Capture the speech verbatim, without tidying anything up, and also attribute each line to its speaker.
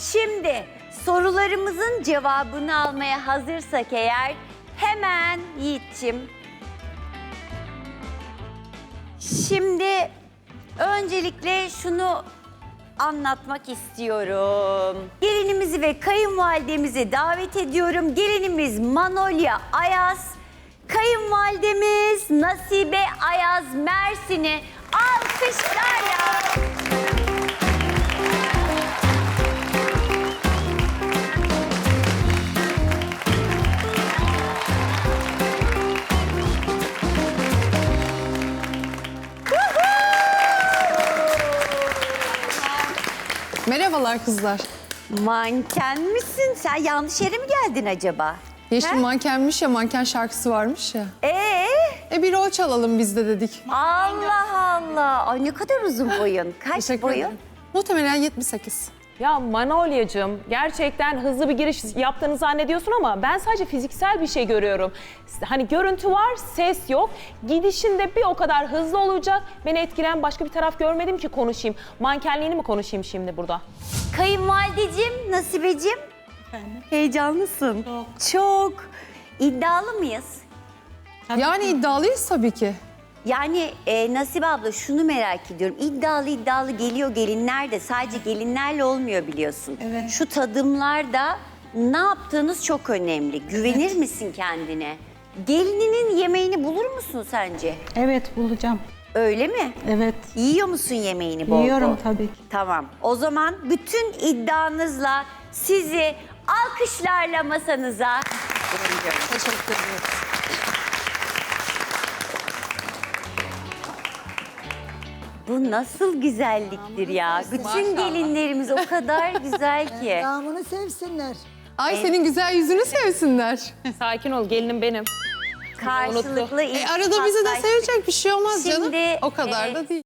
Speaker 1: Şimdi sorularımızın cevabını almaya hazırsak eğer hemen Yiğit'ciğim. Şimdi öncelikle şunu anlatmak istiyorum. Gelinimizi ve kayınvalidemizi davet ediyorum. Gelinimiz Manolya Ayaz, kayınvalidemiz Nasibe Ayaz Mersin'i alkışlarla.
Speaker 2: Merhabalar kızlar.
Speaker 1: Manken misin? Sen yanlış yere mi geldin acaba?
Speaker 2: Yeşil
Speaker 1: He?
Speaker 2: mankenmiş ya, manken şarkısı varmış ya.
Speaker 1: Ee?
Speaker 2: E bir o çalalım biz de dedik.
Speaker 1: Allah Allah. Ay ne kadar uzun boyun. Kaç
Speaker 2: Teşekkür
Speaker 1: boyun?
Speaker 2: ederim. Muhtemelen yetmiş sekiz.
Speaker 3: Ya Manolya'cığım gerçekten hızlı bir giriş yaptığını zannediyorsun ama ben sadece fiziksel bir şey görüyorum. Hani görüntü var, ses yok. Gidişinde bir o kadar hızlı olacak. Beni etkileyen başka bir taraf görmedim ki konuşayım. Mankenliğini mi konuşayım şimdi burada?
Speaker 1: Kayınvalideciğim, Nasibeciğim.
Speaker 4: Efendim?
Speaker 1: Heyecanlısın.
Speaker 4: Çok.
Speaker 1: Çok. İddialı mıyız?
Speaker 2: Yani iddialıyız tabii ki.
Speaker 1: Yani e, Nasibe abla şunu merak ediyorum. İddialı iddialı geliyor gelinler de sadece gelinlerle olmuyor biliyorsun.
Speaker 4: Evet.
Speaker 1: Şu tadımlarda ne yaptığınız çok önemli. Güvenir misin kendine? Gelininin yemeğini bulur musun sence?
Speaker 4: Evet, bulacağım.
Speaker 1: Öyle mi?
Speaker 4: Evet.
Speaker 1: Yiyor musun yemeğini bol bol?
Speaker 4: Yiyorum tabii ki.
Speaker 1: Tamam. O zaman bütün iddianızla sizi alkışlarla masanıza
Speaker 2: Teşekkür ederim.
Speaker 1: Bu nasıl güzelliktir ya. Bütün gelinlerimiz o kadar güzel ki.
Speaker 5: Damını sevsinler.
Speaker 2: Ay senin güzel yüzünü sevsinler.
Speaker 3: Sakin ol, gelinim benim.
Speaker 1: Karşılıklı ilk
Speaker 2: E arada bizi de
Speaker 1: paslaştık.
Speaker 2: sevecek bir şey olmaz
Speaker 1: Şimdi,
Speaker 2: canım. O kadar
Speaker 1: e,
Speaker 2: da değil.